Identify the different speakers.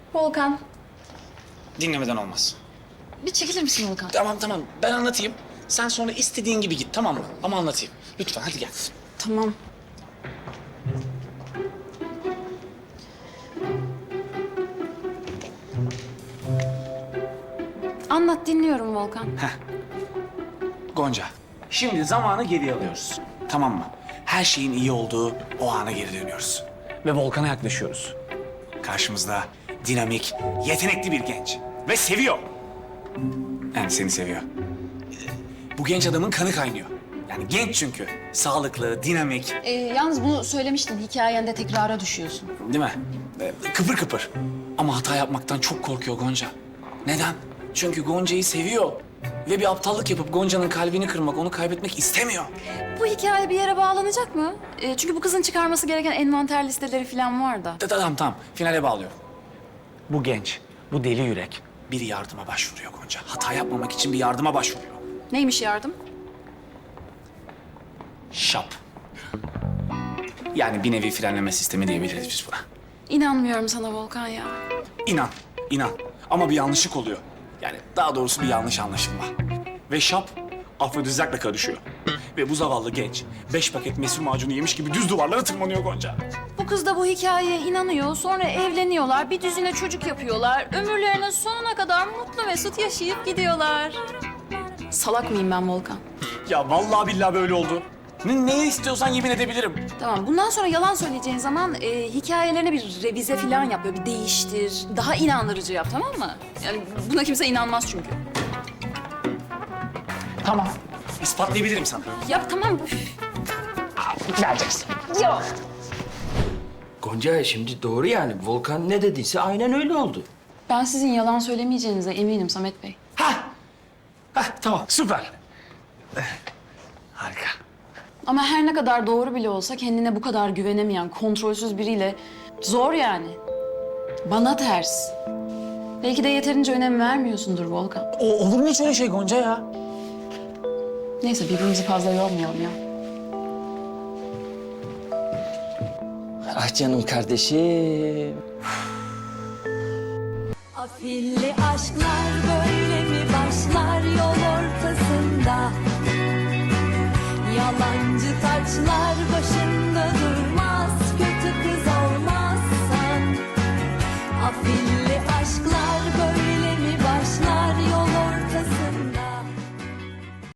Speaker 1: Volkan,
Speaker 2: Dinlemeden olmaz.
Speaker 1: bir çekilir misin Volkan?
Speaker 2: Tamam ben anlatayım. Sen sonra istediğin gibi git, tamam mı? Ama anlatayım. Lütfen hadi gel.
Speaker 1: Tamam. Anlat, dinliyorum Volkan.
Speaker 2: Gonca, şimdi zamanı geriye alıyoruz. Tamam mı? Her şeyin iyi olduğu o ana geri dönüyoruz. Ve Volkan'a yaklaşıyoruz. Karşımızda dinamik, yetenekli bir genç. Ve seviyor. Yani seni seviyor. Bu genç adamın kanı kaynıyor. Yani genç çünkü. Sağlıklı, dinamik,
Speaker 1: Yalnız bunu söylemiştin, hikayende tekrara düşüyorsun.
Speaker 2: değil mi? Kıpır kıpır. Ama hata yapmaktan çok korkuyor Gonca. Neden? Çünkü Gonca'yı seviyor. Ve bir aptallık yapıp Gonca'nın kalbini kırmak, onu kaybetmek istemiyor.
Speaker 1: Bu hikaye bir yere bağlanacak mı? Çünkü bu kızın çıkarması gereken envanter listeleri falan var da.
Speaker 2: Tamam. Finale bağlıyorum. Bu genç, bu deli yürek bir yardıma başvuruyor Gonca. Hata yapmamak için bir yardıma başvuruyor.
Speaker 1: Neymiş yardım?
Speaker 2: Şap. Yani bir nevi frenleme sistemi diyebiliriz biz buna.
Speaker 1: İnanmıyorum sana Volkan ya.
Speaker 2: İnan. Ama bir yanlışlık oluyor. Yani daha doğrusu bir yanlış anlaşılma. Ve şap afrodizakla karışıyor. Ve bu zavallı genç 5 paket mesut macunu yemiş gibi düz duvarlara tırmanıyor Gonca.
Speaker 1: Bu kız da bu hikayeye inanıyor, sonra evleniyorlar, bir düzine çocuk yapıyorlar. Ömürlerinin sonuna kadar mutlu mesut yaşayıp gidiyorlar. Salak mıyım ben Volkan?
Speaker 2: Ya vallahi billahi böyle oldu. Neye istiyorsan yemin edebilirim.
Speaker 1: Tamam, bundan sonra yalan söyleyeceğin zaman hikayelerini bir revize falan yap, böyle bir değiştir. Daha inandırıcı yap, tamam mı? Yani buna kimse inanmaz çünkü.
Speaker 2: Tamam. İspatlayabilirim sana.
Speaker 1: Yap tamam.
Speaker 2: Vereceksin.
Speaker 1: Yok.
Speaker 3: Gonca şimdi doğru yani. Volkan ne dediyse aynen öyle oldu.
Speaker 1: Ben sizin yalan söylemeyeceğinize eminim Samet Bey.
Speaker 2: Tamam süper. Harika.
Speaker 1: Ama her ne kadar doğru bile olsa kendine bu kadar güvenemeyen, kontrolsüz biriyle zor yani. Bana ters. Belki de yeterince önem vermiyorsundur Volkan.
Speaker 2: Olur mu hiç öyle şey Gonca ya?
Speaker 1: Neyse birbirimizi fazla yormayalım ya.
Speaker 3: Ah canım kardeşim.
Speaker 4: Afilli aşklar böyle mi başlar yol ortasında? Yalancı taçlar